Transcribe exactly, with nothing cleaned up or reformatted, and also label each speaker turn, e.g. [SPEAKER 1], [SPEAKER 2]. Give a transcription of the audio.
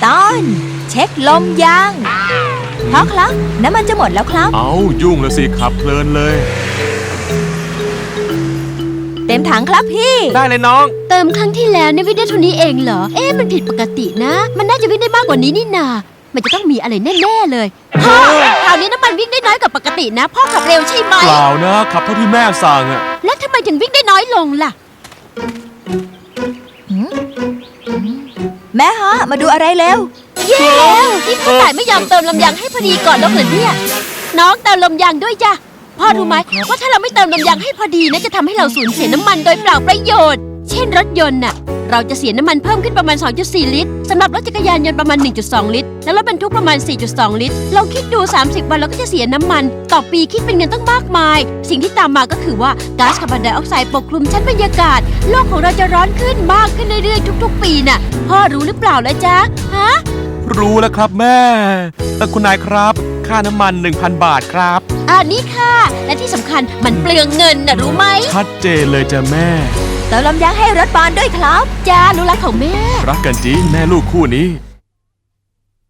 [SPEAKER 1] ตอนเช็คลมยางพ่อครับน้ำมันจะหมดแล้วครับ
[SPEAKER 2] เอายุ่งแล้วสิขับเพลินเลย
[SPEAKER 1] เต็มถังครับพี่
[SPEAKER 2] ได้เลยน้อง
[SPEAKER 3] เติมครั้งที่แล้วเนี่ยวิ่งได้เท่านี้เองเหรอเอ๊ะมันผิดปกตินะมันน่าจะวิ่งได้มากกว่านี้นี่นามันจะต้องมีอะไรแน่ๆเลยพ่อคราวนี้น้ำมันวิ่งได้น้อยกว่าปกตินะพ่อขับเร็วใช่ไหม
[SPEAKER 2] เปล่านะขับเท่าที่แม่สั่งอะ
[SPEAKER 3] แล้วทำไมถึงวิ่งได้น้อยลงล่ะ
[SPEAKER 1] แม่ฮะมาดูอะไรเร็ว
[SPEAKER 3] เย้แล้วที่พ่อต่ายไม่ยอมเติมลมยางให้พอดีก่อนแล้วเหรอเนี่ยน้องเติมลมยางด้วยจ้ะพ่อรู้ไหมว่าถ้าเราไม่เติมลมยางให้พอดีนะจะทำให้เราสูญเสียน้ำมันโดยเปล่าประโยชน์เช่นรถยนต์น่ะเราจะเสียน้ำมันเพิ่มขึ้นประมาณ สองจุดสี่ ลิตรสำหรับรถจักรยานยนต์ประมาณ หนึ่งจุดสอง ลิตรและรถบรรทุกประมาณ สี่จุดสอง ลิตรลองคิดดูสามสิบวันเราก็จะเสียน้ำมันต่อปีคิดเป็นเงินตั้งมากมายสิ่งที่ตามมาก็คือว่าก๊าซคาร์บอนไดออกไซด์ปกคลุมชั้นบรรยากาศโลกของเราจะร้อนขึ้นมากขึ้นเรื่อยๆทุกๆปีน่ะพ่อรู้หรือเปล่าล่ะจ๊ะฮะ
[SPEAKER 2] รู้แล้วครับแม่แต่คุณนายครับค่าน้ำมัน หนึ่งพัน บาทครับ
[SPEAKER 3] อันนี้ค่ะและที่สำคัญมันเปลืองเงินน่ะรู้ไหม
[SPEAKER 2] ชัดเจนเลยจ้ะแม่
[SPEAKER 1] เติมลมยางให้รถบอลด้วยครับ
[SPEAKER 3] จ้ารู้รักของแม่
[SPEAKER 2] รักกันจริงแม่ลูกคู่นี้